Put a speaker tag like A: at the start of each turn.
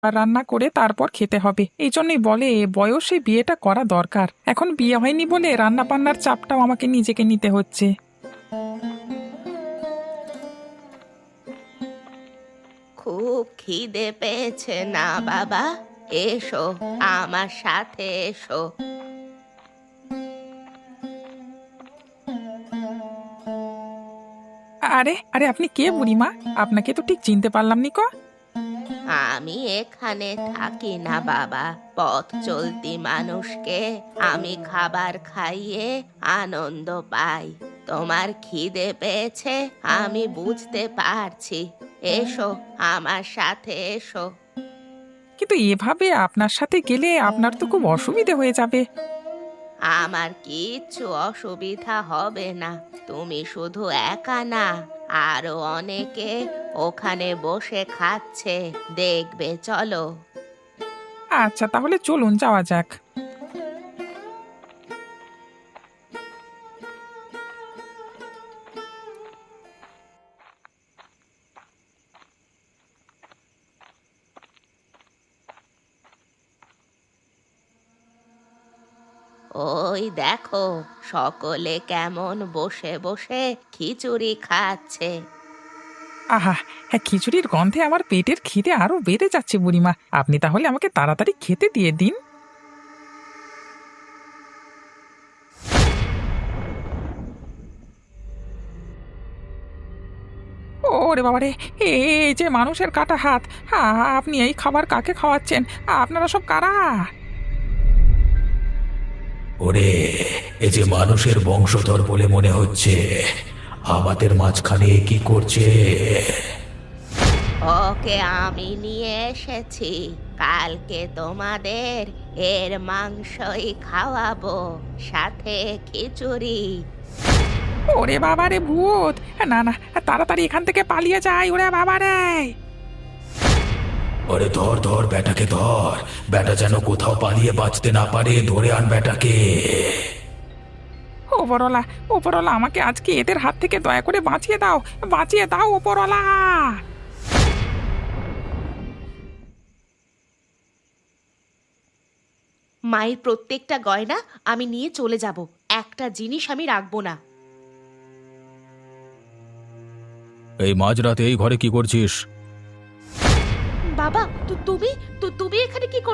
A: রান্না করে তারপর খেতে হবে। এই জন্যই বলে বয়সে বিয়েটা করা দরকার। এখন বিয়ে হয়নি বলে রান্না বান্নার চাপটাও আমাকে নিজেকে নিতে হচ্ছে।
B: খুব খিদে পেয়েছে না বাবা? এসো, আমার সাথে এসো।
A: আরে আরে, আপনি কে বুড়িমা? আপনাকে তো ঠিক চিনতে পারলাম নি কো।
B: আমি এখানে থাকি না বাবা, পথ চলতি মানুষকে আমি খাবার খাইয়ে আনন্দ পাই। তোমার খিদে পেয়েছে আমি বুঝতে পারছি। এসো, আমার সাথে এসো।
A: কিন্তু এভাবে আপনার সাথে গেলে আপনার তো খুব অসুবিধে হয়ে যাবে।
B: আমার কিচ্ছু অসুবিধা হবে না। তুমি শুধু একা না, আরো অনেকে ওখানে বসে খাচ্ছে, দেখবে, চলো।
A: আচ্ছা, তাহলে চলুন যাওয়া যাক।
B: ওই দেখো, সকলে কেমন বসে বসে খিচুড়ি খাচ্ছে।
A: আহা, হ্যাঁ, খিচুড়ির গন্ধে আমার পেটের খিদে আরো বেড়ে যাচ্ছে বুড়িমা। আপনি তাহলে আমাকে তাড়াতাড়ি খেতে দিয়ে দিন। ওরে বাবা রে! এই যে মানুষের কাটা হাত! আপনি এই খাবার কাকে খাওয়াচ্ছেন? আপনারা সব কারা?
C: ওরে, এ যে মানুষের বংশধর বলে মনে হচ্ছে, আমাদের মাঝখানে এ কি করছে?
B: ওকে আমি নিয়ে এসেছি, কালকে তোমাদের এর মাংসই খাওয়াবো, সাথে খিচুড়ি।
A: ওরে বাবা রে ভূত! না না, তাড়াতাড়ি এখান থেকে পালিয়ে যাই। ওরে বাবা রে!
C: ওরে ধর ধর, বেটাকে ধর। বেটা যেন কোথাও পালিয়ে বাঁচতে না পারে, ধরে আন বেটাকে।
A: ওপরওয়ালা, ওপরওয়ালা, আমাকে আজকে এদের হাত থেকে দয়া করে বাঁচিয়ে দাও। বাঁচিয়ে দাও ওপরওয়ালা!
B: মায়ের প্রত্যেকটা গয়না আমি নিয়ে চলে যাব, একটা জিনিস আমি রাখবো না।
C: এই মাঝরাতে এই ঘরে কি করছিস?
B: বাবা, তুমি তুমি এখানে কি